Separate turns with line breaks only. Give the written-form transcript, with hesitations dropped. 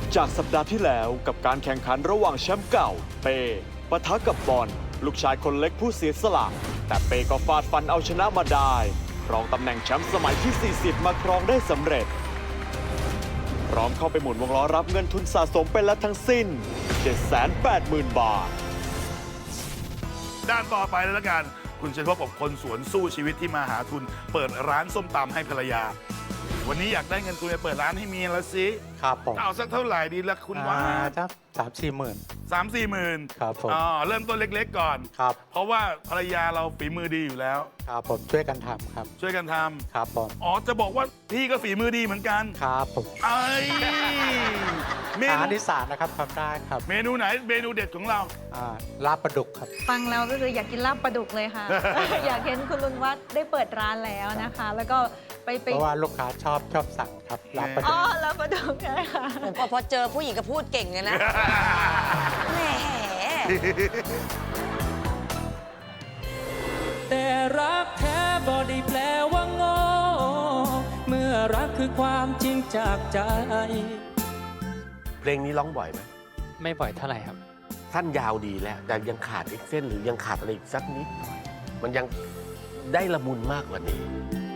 จากสัปดาห์ที่แล้วกับการแข่งขันระหว่างแชมป์เก่าเปปะทะกับบอลลูกชายคนเล็กผู้เสียสละแต่เปก็ฟาดฟันเอาชนะมาได้ครองตำแหน่งแชมป์สมัยที่ 40 มาครองได้สำเร็จพร้อมเข้าไปหมุนวงล้อรับเงินทุนสะสมไปแล้วทั้งสิ้น 780,000 บาท
ด้านต่อไปเลยละกัน คุณจะพบกับคนสวนสู้ชีวิตที่มาหาทุน เปิดร้านส้มตำให้ภรรยา วันนี้อยากได้เงินทุนไปเปิดร้านให้เมียแล้วสิ
ครับผม
เอาสักเท่าไหร่ดีละคุณว่า
สัก3-4 หมื่น
3-4 หมื่น
ครับผม
เริ่มต้นเล็กๆก่อน
ครับ
เพราะว่าภรรยาเราฝีมือดีอยู่แล้ว
ครับผมช่วยกันทำครับ
ช่วยกันท
ครับผม
ำจะบอกว่าพี่ก็ฝีมือดีเหมือนกัน
ครับผม
เอ้ยเม
อาหาร
นู
อีสานนะครับทำได้ครับ
เมนูไหนเมนูเด็ดของเรา
ลาบปลาดุกครับ
ฟังแล้วก็คืออยากกินลาบปลาดุกเลยค่ะ อยากเห็นคุณลุงวัดได้เปิดร้านแล้วนะคะ แล้วก็ไป
เพราะว่าลูกค้าชอบสั่งครับลาบปลาดุ
อ๋
ก
อลาบปลาดุกใช่ค่ะ
พอเจอผู้หญิงก็พูดเก่งเลยนะ แหม
แต่รักแท้บ่ได้แปลว่าโง่เมื่อรักคือความจริงจากใจ
เพลงนี้ร้องบ่อยไหม
ไม่บ่อยเท่าไหร่ครับ
ท่านยาวดีแล้ว แต่ยังขาดอีกเส้นหรือยังขาดอะไรอีกสักนิดหน่อย มันยังได้ละมุนมากกว่านี้